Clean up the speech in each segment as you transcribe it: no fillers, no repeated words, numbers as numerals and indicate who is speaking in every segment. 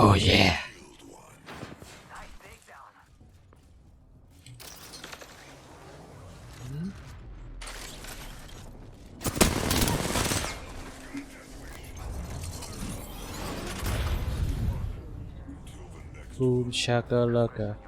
Speaker 1: อ้เย่บูมชาเกอร์เลกะ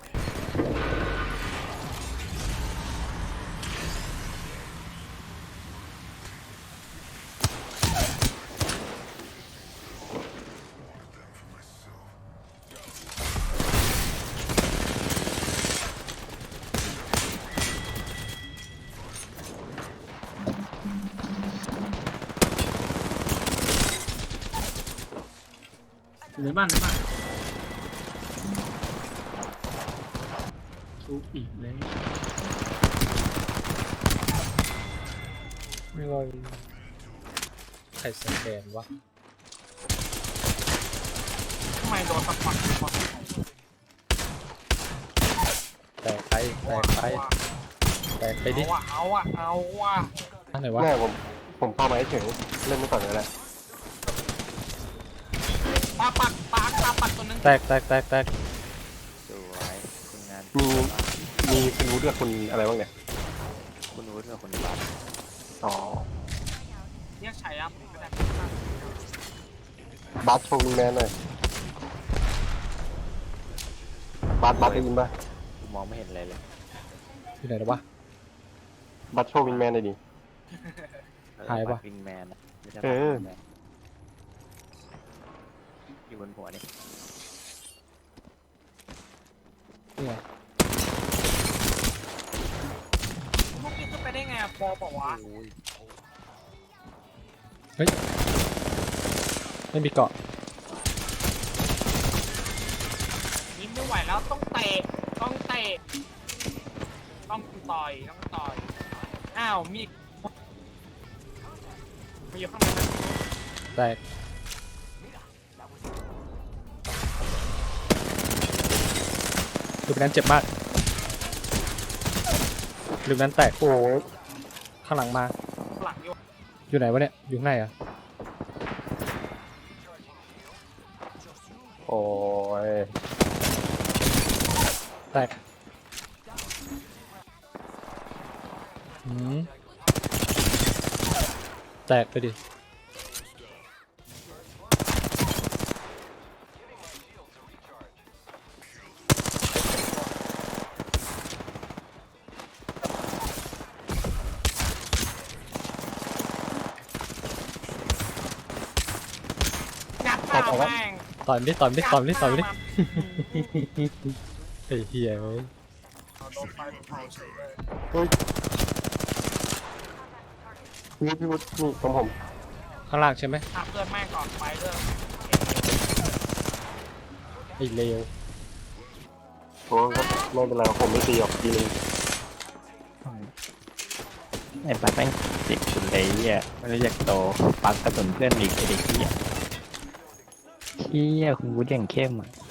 Speaker 2: ในบ้านทุบอีกเลย
Speaker 1: ไม่ว่าใครสแกนวะ
Speaker 2: ทำไมโดนสปักวะ
Speaker 1: แตกไปดิ
Speaker 2: เอาว่ะ
Speaker 1: อันไหนวะ
Speaker 3: แม่ผมเข้ามาเฉยเล่นไม่ก่อนเลยแหละ
Speaker 2: ตาปักตัวนึง
Speaker 1: แตก
Speaker 4: สวยคุณงาน
Speaker 3: มีคุณรู้ด้วยคุณอะไรบ้างเนี่ย
Speaker 4: คุณวุฒิกับคุณบัส
Speaker 3: อ๋อ
Speaker 2: เรียกชัยอ่ะไม่ได้
Speaker 3: บัสโชว์วิงแมนหน่อยบัสได้ยินป่ะ
Speaker 4: กูมองไม่เห็นอะไรเลย
Speaker 1: อยู่ไหนแล้ววะ
Speaker 3: บัสโชว์วิงแมนหน่อยดิ
Speaker 1: หายปะ
Speaker 4: วิงแมนอะไม่ใช่
Speaker 3: เออ
Speaker 4: วิงแมนอยู่บนหัวนี่
Speaker 1: นี่ไง
Speaker 2: พวกนี้ขึ้นไปได้ไงปอบอกว่า
Speaker 1: เฮ้ยไม่มีเกาะ
Speaker 2: ยิ้มไม่ไหวแล้วต้องเตะต้องต่อยอ้าวมีอยู่ข้างในนะ
Speaker 1: แตกลูกนั้นเจ็บมากลูกนั้นแตก
Speaker 3: โอ้ย
Speaker 1: ข้างหลังมา
Speaker 2: หลังอยู่
Speaker 1: อยู่ไหนวะเนี่ยอยู่ข้างในอ่ะ
Speaker 3: โอ้ย
Speaker 1: แตกแตกไปดิ
Speaker 2: งัดตาแม่ง
Speaker 1: ต่อยมันดิไอ้เหี้ยเว้ย
Speaker 2: โดนไฟเผาเฉยเลย
Speaker 3: เฮ้ยพี่วุฒินี่ของผม
Speaker 1: ข้างล่างใช่ไหม
Speaker 2: ขับเพื่อนแม่งก่อนไปเรื่อง
Speaker 1: ไอ้เลว
Speaker 3: โอ้ก็ไม่เป็นไรผมไม่ตีหรอกทีนึง
Speaker 4: ไอ้บัสแม่งติดสุดเลยอ่ะไม่รู้จักโตปักกระสุนเพื่อนอีกไอ้เด็กเหี้ยคุณวุฒิอย่างเข้มอ่ะ